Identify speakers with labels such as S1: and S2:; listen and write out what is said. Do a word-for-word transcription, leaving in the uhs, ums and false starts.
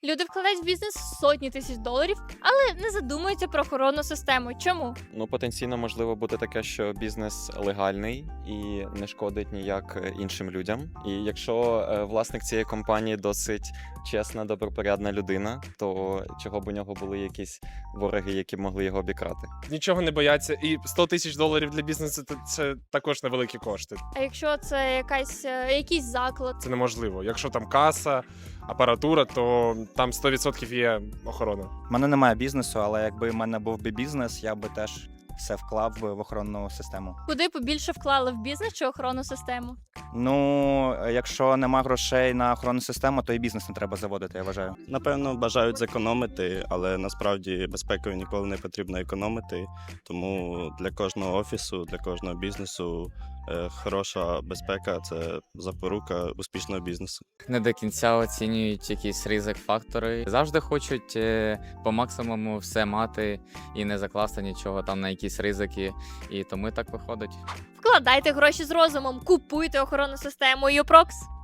S1: Люди вкладають в бізнес сотні тисяч доларів, але не задумуються про охоронну систему. Чому?
S2: Ну, потенційно можливо бути таке, що бізнес легальний і не шкодить ніяк е, іншим людям. І якщо е, власник цієї компанії досить чесна, добропорядна людина, то чого б у нього були якісь вороги, які б могли його обікрати?
S3: Нічого не бояться. І сто тисяч доларів для бізнесу це, це також невеликі кошти.
S1: А якщо це якась е, якийсь заклад?
S3: Це неможливо. Якщо там каса, апаратура, то там сто відсотків є охорона.
S4: У мене немає бізнесу, але якби в мене був би бізнес, я би теж все вклав би в охоронну систему.
S1: Куди побільше вклали в бізнес чи охоронну систему?
S4: Ну, якщо нема грошей на охоронну систему, то і бізнес не треба заводити, я вважаю.
S5: Напевно, бажають зекономити, але насправді безпекою ніколи не потрібно економити. Тому для кожного офісу, для кожного бізнесу е, хороша безпека це запорука успішного бізнесу.
S6: Не до кінця оцінюють якісь ризик-фактори. Завжди хочуть е, по максимуму все мати і не закласти нічого там на якісь ризики. І тому і так виходить.
S1: Вкладайте гроші з розумом, купуйте охоронну систему Юпрокс.